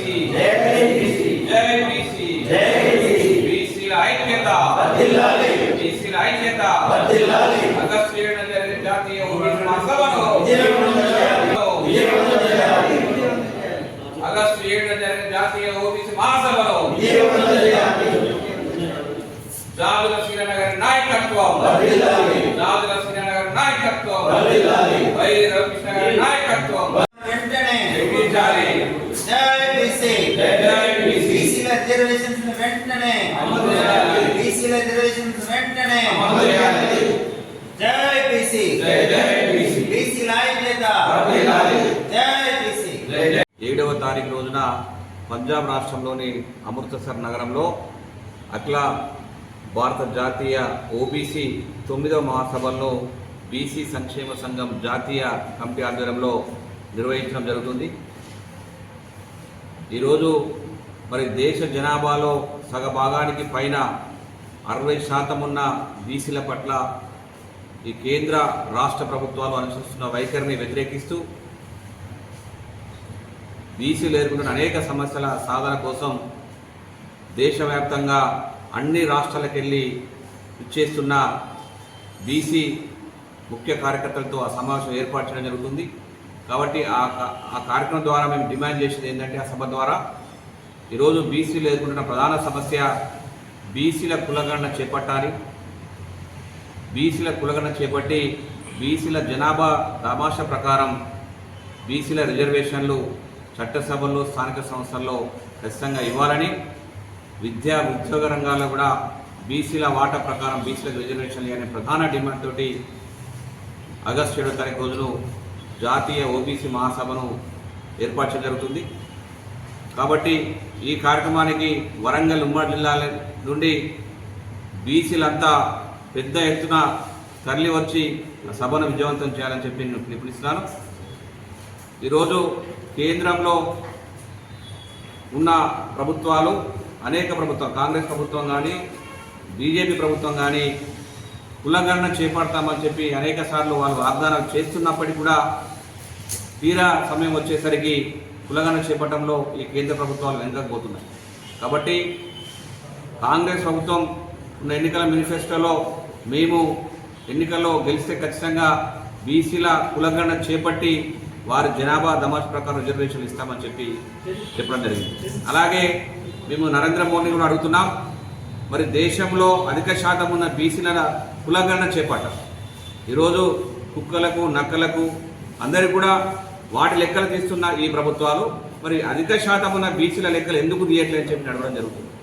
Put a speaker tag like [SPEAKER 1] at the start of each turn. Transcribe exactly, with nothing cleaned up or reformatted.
[SPEAKER 1] BC జై BC బీసీల ఐక్యత బీసీల ఐక్యత ఆగస్టు ఏడున జరిగిన జాతీయ ఓబీసీ మహాసభను ఆగస్టు ఏడున జరిగిన జాతీయ ఓబీసీ మహాసభను జాదుల శ్రీనగర్ నాయకత్వం జాదుల శ్రీనగర్ నాయకత్వం వై రవికృష్ణ గారి నాయకత్వం
[SPEAKER 2] వెంటనే
[SPEAKER 1] నిర్మించాలి.
[SPEAKER 2] జై బీసీ
[SPEAKER 1] జై బీసీ
[SPEAKER 2] బీసీల రిజర్వేషన్స్ వెంటనే
[SPEAKER 1] అమలు చేయాలి.
[SPEAKER 2] బీసీల రిజర్వేషన్స్ వెంటనే
[SPEAKER 1] అమలు చేయాలి.
[SPEAKER 2] జై బీసీ
[SPEAKER 1] జై జై బీసీ
[SPEAKER 2] బీసీల ఐక్యత జై బీసీ.
[SPEAKER 3] ఏడవ తారీఖు రోజున పంజాబ్ రాష్ట్రంలోని అమృత్సర్ నగరంలో అఖిల భారత జాతీయ ఓబీసీ తొమ్మిదవ మహాసభల్లో బీసీ సంక్షేమ సంఘం జాతీయ కమిటీ ఆధ్వర్యంలో నిర్వహించడం జరుగుతుంది. ఈరోజు మరి దేశ జనాభాలో సగభాగానికి పైన అరవై శాతం ఉన్న బీసీల పట్ల ఈ కేంద్ర రాష్ట్ర ప్రభుత్వాలు అనుసరిస్తున్న వైఖరిని వ్యతిరేకిస్తూ బీసీలు ఎదుర్కొంటున్న అనేక సమస్యల సాధన కోసం దేశవ్యాప్తంగా అన్ని రాష్ట్రాలకు వెళ్ళి ఇచ్చేస్తున్న బీసీ ముఖ్య కార్యకర్తలతో ఆ సమావేశం ఏర్పాటు చేయడం జరుగుతుంది. కాబట్టి ఆ ఆ కార్యక్రమం ద్వారా మేము డిమాండ్ చేసేది ఏంటంటే ఆ సభ ద్వారా ఈరోజు బీసీలు ఎదుర్కొంటున్న ప్రధాన సమస్య బీసీల కులగణన చేపట్టాలి. బీసీల కులగణన చేపట్టి బీసీల జనాభా దామాషా ప్రకారం బీసీల రిజర్వేషన్లు చట్టసభల్లో స్థానిక సంస్థల్లో ఖచ్చితంగా ఇవ్వాలని, విద్యా ఉద్యోగ రంగాల్లో కూడా బీసీల వాటా ప్రకారం బీసీలకు రిజర్వేషన్లు అనే ప్రధాన డిమాండ్ తోటి ఆగస్టు ఏడవ తారీఖు రోజును జాతీయ ఓబీసీ మహాసభను ఏర్పాటు చేయడం జరుగుతుంది. కాబట్టి ఈ కార్యక్రమానికి వరంగల్ ఉమ్మడి జిల్లాల నుండి బీసీలంతా పెద్ద ఎత్తున తరలి వచ్చి ఆ సభను విజయవంతం చేయాలని చెప్పి నేను పిలుపునిస్తున్నాను. ఈరోజు కేంద్రంలో ఉన్న ప్రభుత్వాలు అనేక ప్రభుత్వం కాంగ్రెస్ ప్రభుత్వం కానీ బీజేపీ ప్రభుత్వం కానీ కులగణన చేపడతామని చెప్పి అనేక సార్లు వాళ్ళు వాగ్దానాలు చేస్తున్నప్పటికీ కూడా తీరా సమయం వచ్చేసరికి కులగణన చేపట్టడంలో ఈ కేంద్ర ప్రభుత్వాలు వెనకపోతున్నాయి. కాబట్టి కాంగ్రెస్ ప్రభుత్వం ఉన్న ఎన్నికల మేనిఫెస్టోలో మేము ఎన్నికల్లో గెలిస్తే ఖచ్చితంగా బీసీల కులగణన చేపట్టి వారి జనాభా దమాష్ ప్రకారం రిజర్వేషన్లు ఇస్తామని చెప్పి చెప్పడం జరిగింది. అలాగే మేము నరేంద్ర మోడీ కూడా అడుగుతున్నాం, మరి దేశంలో అధిక శాతం ఉన్న బీసీల కులగణన చేపట్టాం. ఈరోజు కుక్కలకు నక్కలకు అందరికీ కూడా వాటి లెక్కలు తీస్తున్న ఈ ప్రభుత్వాలు మరి అధిక శాతం ఉన్న బీసీల లెక్కలు ఎందుకు తీయట్లేదని చెప్పి అడగడం జరుగుతుంది.